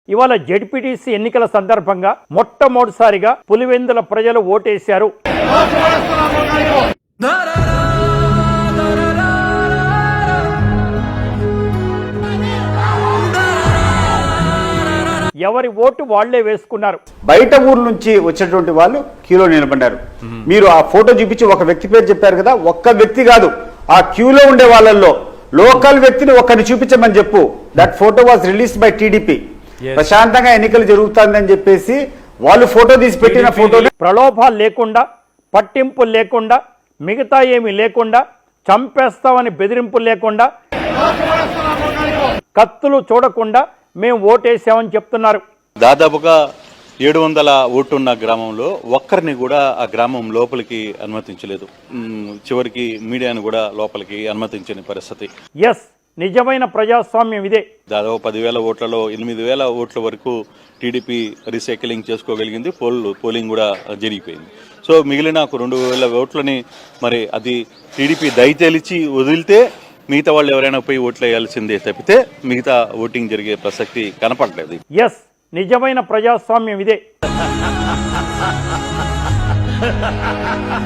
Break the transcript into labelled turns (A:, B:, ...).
A: ఇవాళ జెడ్పీటీసీ ఎన్నికల సందర్భంగా మొట్టమొదటిసారిగా పులివెందుల ప్రజలు ఓటేశారు. ఎవరి ఓటు వాళ్లే వేసుకున్నారు.
B: బయట ఊరు నుంచి వచ్చేటువంటి వాళ్ళు క్యూలో నిలబడ్డారు. మీరు ఆ ఫోటో చూపించి ఒక వ్యక్తి పేరు చెప్పారు కదా, ఒక్క వ్యక్తి కాదు, ఆ క్యూలో ఉండే వాళ్ళల్లో లోకల్ వ్యక్తిని ఒక్కరిని చూపించమని చెప్పు. That photo was released by TDP. ప్రశాంతంగా ఎన్నికలు జరుగుతుందని చెప్పేసి వాళ్ళు ఫోటో తీసి పెట్టిన ఫోటో.
A: ప్రలోభాలు లేకుండా, పట్టింపులు లేకుండా, మిగతా ఏమీ లేకుండా, చంపేస్తామని బెదిరింపులు లేకుండా, కత్తులు చూడకుండా మేము ఓటేసామని చెప్తున్నారు.
C: దాదాపుగా 700 ఓటున్న గ్రామంలో ఒక్కరిని కూడా ఆ గ్రామం లోపలికి అనుమతించలేదు. చివరికి మీడియాను కూడా లోపలికి అనుమతించని పరిస్థితి.
A: ఎస్, నిజమైన ప్రజాస్వామ్యం ఇదే.
C: దాదాపు 10,000 ఓట్లలో 8,000 ఓట్ల వరకు టీడీపీ రీసైక్లింగ్ చేసుకోగలిగింది. పోలింగ్ కూడా జరిగిపోయింది. సో మిగిలిన 2,000 ఓట్లని మరి అది టీడీపీ దయతెలిచి వదిలితే మిగతా వాళ్ళు ఎవరైనా పోయి ఓట్లు వేయాల్సిందే తప్పితే మిగతా ఓటింగ్ జరిగే ప్రసక్తి కనపడలేదు.
A: ఎస్, నిజమైన ప్రజాస్వామ్యం ఇదే.